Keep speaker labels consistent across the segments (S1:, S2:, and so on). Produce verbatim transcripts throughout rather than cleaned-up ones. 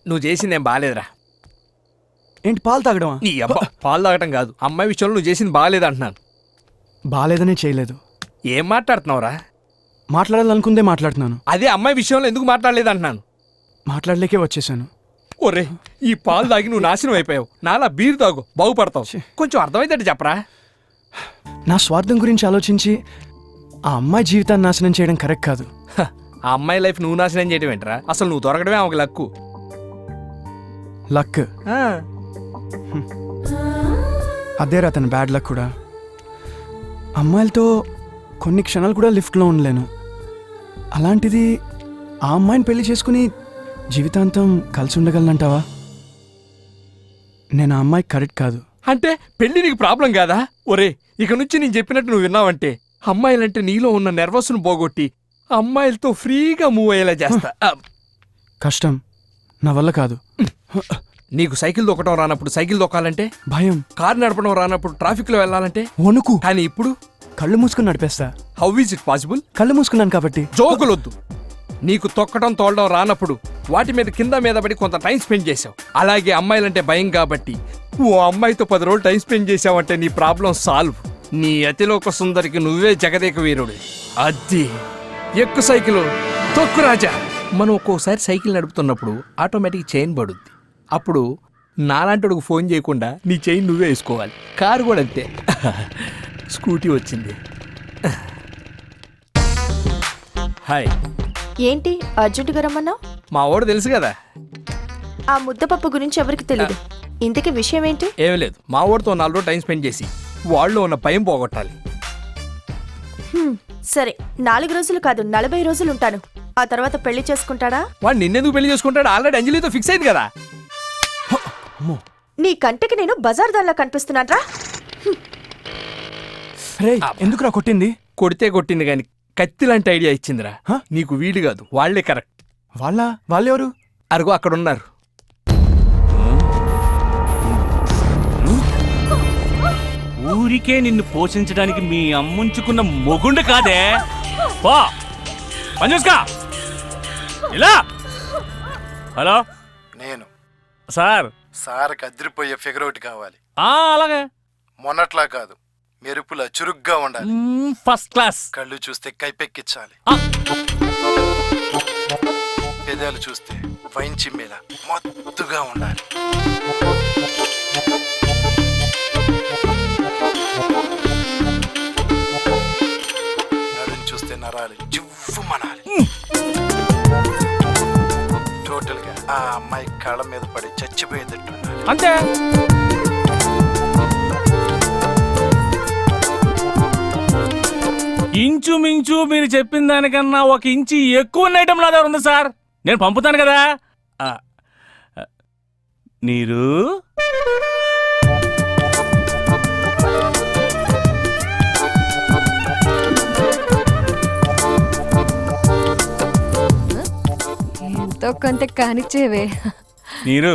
S1: నువ్వు చేసిందేం బాగాలేదురా.
S2: ఏంటి పాలు తాగడమా?
S1: నీ అబ్బా పాలు తాగటం కాదు, అమ్మాయి విషయంలో నువ్వు చేసింది బాగాలేదు అంటున్నాను.
S2: బాగాలేదనే చేయలేదు.
S1: ఏం మాట్లాడుతున్నావురా?
S2: మాట్లాడాలనుకుందే మాట్లాడుతున్నాను.
S1: అదే అమ్మాయి విషయంలో ఎందుకు మాట్లాడలేదు అంటున్నాను.
S2: మాట్లాడలేకే వచ్చేసాను.
S1: ఒరే, ఈ పాలు తాగి నువ్వు నాశనం అయిపోయావు. నాలా బీరు తాగు, బాగుపడతావు. కొంచెం అర్థమైతే చెప్పరా.
S2: నా స్వార్థం గురించి ఆలోచించి ఆ అమ్మాయి జీవితాన్ని నాశనం చేయడం కరెక్ట్ కాదు.
S1: హ, ఆ అమ్మాయి లైఫ్ నువ్వు నాశనం చేయడం ఏంట్రా? అసలు నువ్వు దొరకడమే ఒక లక్కు.
S2: లక్ అదేరా తన బ్యాడ్ లక్ కూడా. అమ్మాయిలతో కొన్ని క్షణాలు కూడా లిఫ్ట్లో ఉండలేను. అలాంటిది ఆ అమ్మాయిని పెళ్లి చేసుకుని జీవితాంతం కలిసి ఉండగలనంటావా? నేను ఆ అమ్మాయి కరెక్ట్ కాదు.
S1: అంటే పెళ్లి నీకు ప్రాబ్లం కాదా? ఒరే, ఇక నుంచి నేను చెప్పినట్టు నువ్వు విన్నావంటే అమ్మాయిలంటే నీలో ఉన్న నెర్వస్ను పోగొట్టి అమ్మాయిలతో ఫ్రీగా మూవ్ అయ్యేలా చేస్తా.
S2: కష్టం, నా వల్ల కాదు.
S1: నీకు సైకిల్ దొక్కడం రానప్పుడు సైకిల్ దొక్కాలంటే
S2: భయం.
S1: కారు నడపడం రానప్పుడు ట్రాఫిక్ లో వెళ్ళాలంటే
S2: వణుకు.
S1: కానీ ఇప్పుడు
S2: కళ్ళు మూసుకుని నడిపేస్తా.
S1: How is it possible?
S2: కళ్ళు మూసుకున్నాను కాబట్టి.
S1: జోకులొద్దు. నీకు తొక్కడం తోలడం రానప్పుడు వాటి మీద కింద మీద పడి కొంత టైం స్పెండ్ చేసావు. అలాగే అమ్మాయిలంటే భయం కాబట్టి ఓ అమ్మాయితో పది రోజులు టైం స్పెండ్ చేసావంటే నీ ప్రాబ్లం సాల్వ్. నీ అతిలోక సుందరికి నువ్వే జగదేక వీరుడు. అది ఎక్కు సైకిల్, తొక్కు రాజా. మనం ఒక్కోసారి సైకిల్ నడుపుతున్నప్పుడు ఆటోమేటిక్ చైన్ పడుద్ది. అప్పుడు నాలాంటి ఫోన్ చేయకుండా నీ చైన్ నువ్వే వేసుకోవాలి. కారు కూడా అంతే. స్కూటీ వచ్చింది. హాయ్.
S3: ఏంటి అర్జెంటుగా రమ్మన్నావు?
S1: మా వాడు తెలుసు కదా.
S3: ఆ ముద్దపప్పు గురించి ఎవరికి తెలియదు. ఇంతకీ విషయం ఏంటి?
S1: ఏమీ లేదు, మా వాడితో నాలుగు రోజులు టైం స్పెండ్ చేసి వాళ్ళు ఉన్న భయం పోగొట్టాలి.
S3: హ్మ్, సరే, నాలుగు రోజులు కాదు నలభై రోజులు ఉంటాను. ఆ తర్వాత పెళ్లి చేసుకుంటాడా?
S1: వాడు నిన్నెందుకు పెళ్లి చేసుకుంటాడు? ఆల్రెడీ అంజలితో ఫిక్స్ అయింది కదా.
S3: నీ కంటికి నేను బజార్ దానిలా కనిపిస్తున్నాడ్రా?
S2: ఎందుకురా కొట్టింది?
S1: కొడితే కొట్టింది కానీ కత్తి లాంటి ఐడియా ఇచ్చిందిరా. నీకు వీడు కాదు, వాళ్లే కరెక్ట్.
S2: వాళ్ళ వాళ్ళెవరు?
S1: అరుగు అక్కడ ఉన్నారు.
S4: ఊరికే నిన్ను పోషించడానికి మీ అమ్ముంచుకున్న మొగుండు కాదే. పో పని చూసుకో. ఇలా. హలో,
S5: నేను
S4: సార్.
S5: సార్ కదిరిపోయే ఫిగర్ ఒకటి కావాలి.
S4: అలాగే.
S5: మొన్నట్లా కాదు, మెరుపులా చురుగ్గా ఉండాలి.
S4: First class.
S5: కళ్ళు చూస్తే కైపెక్కించాలి. పెదాలు చూస్తే వైన్ చిమ్మేలా మత్తుగా ఉండాలి. నడుం చూస్తే నరాలు జివ్వు మనాలి. టోటల్ గా ఆ అమ్మాయి కాళ్ళ మీద పడి చచ్చిపోయేటట్టు ఉండాలి.
S4: అంతే. ఇంచుమించు మీరు చెప్పిన దానికన్నా ఒక ఇంచి ఎక్కువ ఐటమ్ నా దగ్గర ఉంది సార్. నేను పంపుతాను కదా. నీరు
S6: ఎంతో కొంత కానిచ్చేవే.
S4: నీరు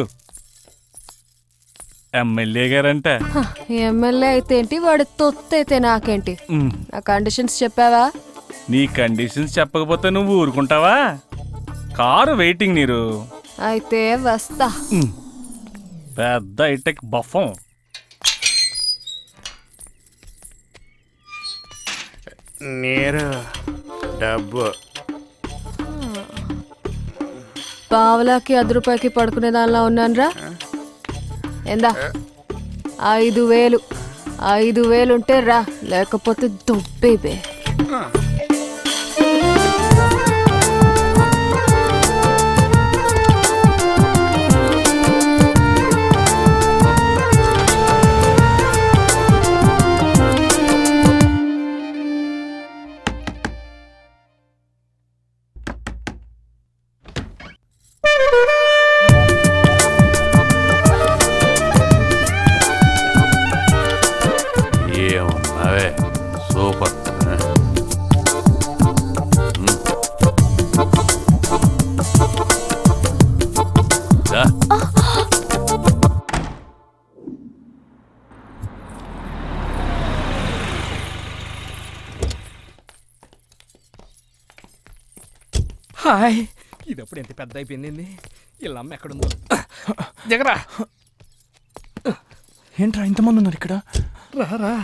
S4: ఎమ్మెల్యే గారంట.
S6: ఎమ్మెల్యే అయితే ఏంటి, వాడు తొత్తు అయితే నాకేంటి? నా కండిషన్స్ చెప్పావా?
S4: నీ కండిషన్స్ చెప్పకపోతే నువ్వు ఊరుకుంటావా? కారు వెయిటింగ్ నీరు.
S6: అయితే వస్తా.
S4: పెద్ద ఐటెక్ బఫం.
S5: నీరు డబ్బు
S6: పావలాకి అర్ధ రూపాయికి పడుకునే దానిలా ఉన్నానురా. ఎందా? ఐదు వేలు ఐదు వేలుంటే రా, లేకపోతే దుబ్బేబే.
S7: ఏమున్నావే సూపర్.
S1: హాయ్, ఇది అప్పుడు ఎంత పెద్ద అయిపోయింది. వీళ్ళ అమ్మ ఎక్కడుందో. దిగరా.
S2: ఏంట్రా ఇంతమంది ఉన్నారు ఇక్కడ?
S1: రా.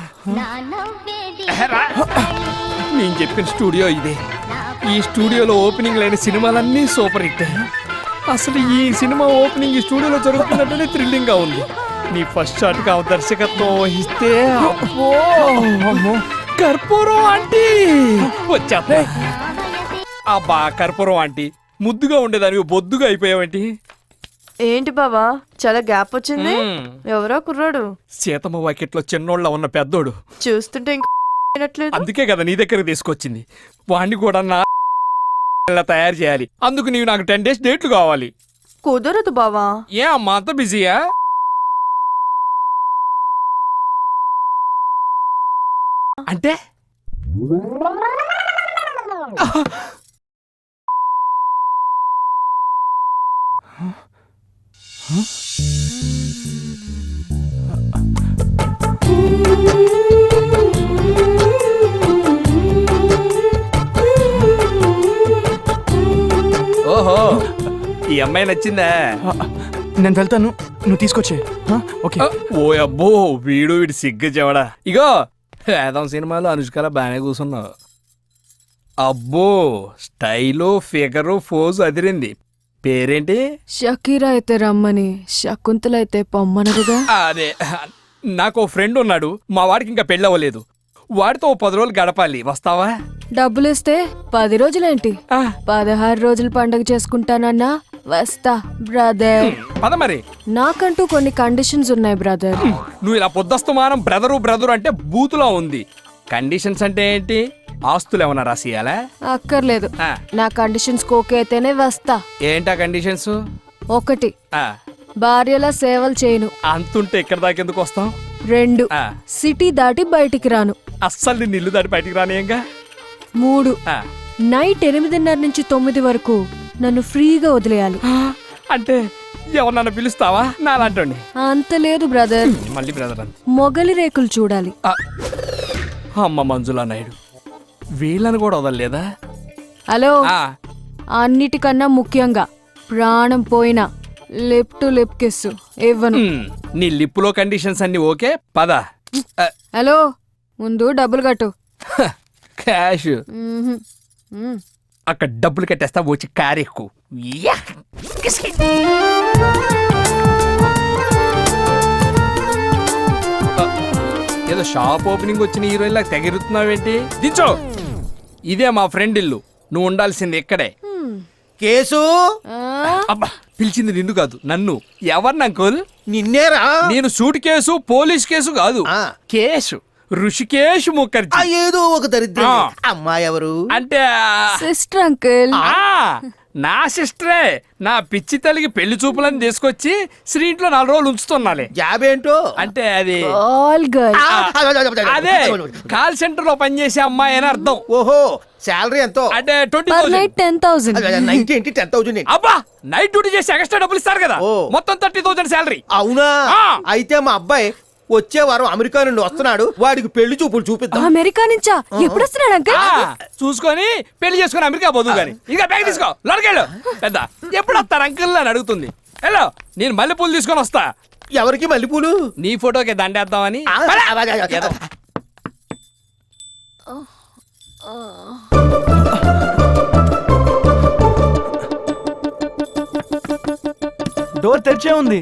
S1: నేను చెప్పిన స్టూడియో ఇదే. ఈ స్టూడియోలో ఓపెనింగ్ లేని సినిమాలన్నీ సూపర్ హిట్. అసలు ఈ సినిమా ఓపెనింగ్ ఈ స్టూడియోలో జరుగుతున్నట్టునే థ్రిల్లింగ్ గా ఉంది. నీ ఫస్ట్ షాట్ కా దర్శకత్వం వహిస్తే అబ్బో, అమ్మో, కర్పూరం ఆంటీ వచ్చేస్తా. అబ్బా కర్పూరం ఆంటీ, ముద్దుగా ఉండేదానికి బొద్దుగా అయిపోయావేంటి?
S3: ఏంటి బావా చాలా గ్యాప్ వచ్చింది?
S1: మ్మ్.
S3: ఎవరో కుర్రాడు
S1: సీతమ్మ వాకిట్లో చిన్నోళ్ళ ఉన్న పెద్దోడు.
S3: చూస్తుంటే ఇంకా అయినట్లేదు.
S1: అందుకే కదా నీ దగ్గరకు తీసుకొచ్చింది. వాణ్ణి కూడా నా ఇలా తయారు చేయాలి. అందుకు నీవు నాకు టెన్ డేస్ డేట్లు కావాలి.
S3: కుదరదు బావా.
S1: ఏ అమ్మా అంత బిజీయా? అంటే ఓహో, ఈ అమ్మాయి నచ్చిందా?
S2: ఆ, నేను వెళ్తాను, నువ్వు తీసుకొచ్చే. ఓకే.
S1: ఓ అబ్బో, వీడు వీడు సిగ్గు చెవడా. ఇగో వేదం సినిమాలో అనుష్కల బాగానే కూర్చున్నావు. అబ్బో, స్టైలు ఫిగరు ఫోజు అదిరింది. పేరేంటి?
S6: షకీరా అయితే రమ్మని, శకుంతల అయితే పొమ్మనరుగా.
S1: అదే, నాకు ఓ ఫ్రెండ్ ఉన్నాడు. మా వాడికి ఇంకా పెళ్ళవలేదు. వాడితో ఓ పది రోజులు గడపాలి. వస్తావా?
S6: డబ్బులిస్తే పది రోజులేంటి,
S1: ఆ,
S6: పదహారు రోజులు పండగ చేసుకుంటానన్నా వస్తా బ్రదర్.
S1: పద మరి.
S6: నాకంటూ కొన్ని కండిషన్స్ ఉన్నాయి బ్రదర్.
S1: నువ్వు ఇలా పొద్దస్తమానం బ్రదరు బ్రదరు అంటే బూతులా ఉంది. కండిషన్స్ అంటే ఏంటి? ఆస్తులు ఏమన్నా రాసియాలా?
S6: అక్కర్లేదు,
S1: ఆ,
S6: నా కండిషన్స్ ఓకే అయితేనే వస్తా.
S1: ఏంటా కండిషన్స్?
S6: ఒకటి,
S1: ఆ,
S6: భార్యల సేవలు చేయను.
S1: అంతుంటే ఇక్కడ దాకా ఎందుకు వస్తాం?
S6: రెండు,
S1: ఆ,
S6: సిటీ దాటి బయటికి రాను.
S1: అస్సలు నిన్ను ఇల్లు దాటి బయటికి రానియంగా.
S6: మూడు,
S1: ఆ,
S6: నైట్ ఎనిమిదిన్నర నుంచి తొమ్మిది వరకు నన్ను ఫ్రీగా వదిలేయాలి.
S1: అంటే ఎవరన్నా పిలుస్తావా నాలాంటి?
S6: అంత లేదు బ్రదర్,
S1: మళ్ళీ బ్రదర్ అంత.
S6: మొగలి రేకులు చూడాలి.
S1: ఆ, అమ్మ మంజులా నాయుడు, వీళ్ళని కూడా వదలలేదా?
S6: హలో,
S1: ఆ,
S6: అన్నిటికన్నా ముఖ్యంగా ప్రాణం పోయినా లిప్ టు లిప్ కిస్ ఇవ్వను.
S1: ఉమ్, నీ లిప్పులో కండిషన్స్ అన్ని ఓకే. పద. ఆ,
S6: హలో, ముందు డబ్బులు కట్టు.
S1: క్యాష్
S6: మ్మ్హ్. మ్మ్.
S1: అక్కడ డబ్బులు కట్టేస్తా, వచ్చి కారు ఎక్కు. యా! ఆ, ఏదో షాప్ ఓపెనింగ్ వచ్చిన హీరోయిన్ లాగా తెగిరుతున్నావేంటి? దించో. ఇదే మా ఫ్రెండ్ ఇల్లు, నువ్వు ఉండాల్సింది ఇక్కడే.
S8: కేసు
S6: ఆ,
S1: అబ్బా, పిలిచింది నిన్ను కాదు నన్ను. ఎవరిని అంకుల్?
S8: నిన్నేరా
S1: నేను సూట్ కేసు పోలీస్ కేసు కాదు,
S8: ఆ.
S1: కేసు ఋషికేష్
S8: ఆ
S1: ముఖర్జీ.
S8: ఏదో ఒక దరిద్రం
S1: ఆ.
S8: అమ్మాయి ఎవరు
S1: అంటే ఆ,
S6: సిస్టర్ అంకుల్.
S1: ఆ, నా సిస్టరే. నా పిచ్చి తల్లికి పెళ్లి చూపులని తీసుకొచ్చి శ్రీ ఇంట్లో నాలుగు రోజులు ఉంచుతున్నాలే.
S8: జాబ్ ఏంటో
S1: అంటే అది
S6: ఆల్ గర్ల్.
S8: ఆ,
S1: అదే కాల్ సెంటర్ లో పనిచేసే అమ్మాయి అని అర్థం.
S8: ఓహో శాలరీ ఎంతో
S1: అంటే twenty
S6: per
S1: thousand.
S6: Night ten thousand.
S8: Ninety ఏంటి టెన్ థౌజండ్
S1: అబ్బా, నైట్ డ్యూటీ చేసి ఎక్స్ట్రా డబ్బులు ఇస్తారు కదా.
S8: ఓ.
S1: మొత్తం థర్టీ థౌసండ్ శాలరీ.
S8: అవునా
S1: ఆ.
S8: అయితే మా అబ్బాయి వచ్చే వారం అమెరికా నుండి వస్తున్నాడు, వాడికి పెళ్లి చూపులు చూపిద్దాం.
S6: అమెరికా నుంచా? ఎప్పుడు వస్తున్నాడు అంకుల్?
S1: చూసుకొని పెళ్లి చేసుకొని అమెరికా పోదు గాని. ఇక బ్యాగ్ తీసుకో, లోనకెళ్ళు. పెద్ద ఎప్పుడు వస్తారు అంకుల్ అని అడుగుతుంది. హలో, నేను మల్లెపూలు తీసుకొని వస్తా.
S8: ఎవరికి మల్లెపూలు?
S1: నీ ఫోటోకి దండేద్దామని.
S8: ఆ,
S1: పద.
S8: ఆ, ఆ, ఆ,
S1: ఏదో.
S2: డోర్ తెరిచే ఉంది.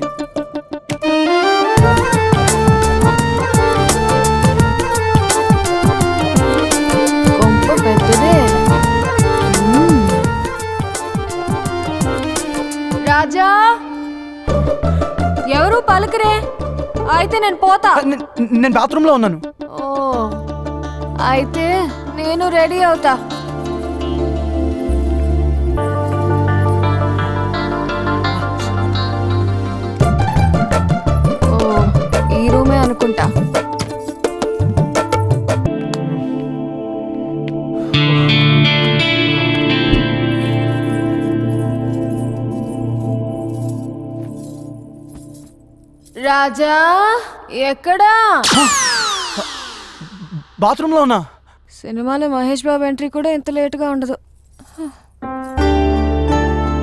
S6: కొంప పెద్దదే. మ్మ్. రాజా, ఎవరు పలకరే? అయితే నేను పోతా.
S2: నే- నేను బాత్రూంలో ఉన్నాను.
S6: ఓ, అయితే నేను రెడీ అవుతా. ఓ, ఈ రూమే అనుకుంటా. రాజా, ఎక్కడా?
S2: బాత్రూంలో ఉన్నా.
S6: సినిమాలో మహేష్ బాబు ఎంట్రీ కూడా ఇంత లేటుగా ఉండదు.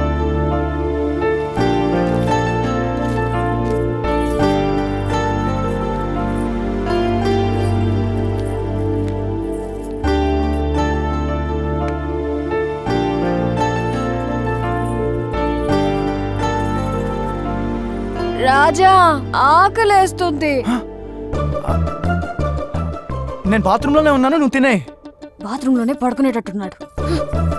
S6: రాజా ఆకలేస్తుంది.
S2: నేను బాత్రూంలోనే ఉన్నాను, నువ్వు తినే.
S6: బాత్రూంలోనే పడుకునేటట్టున్నాడు.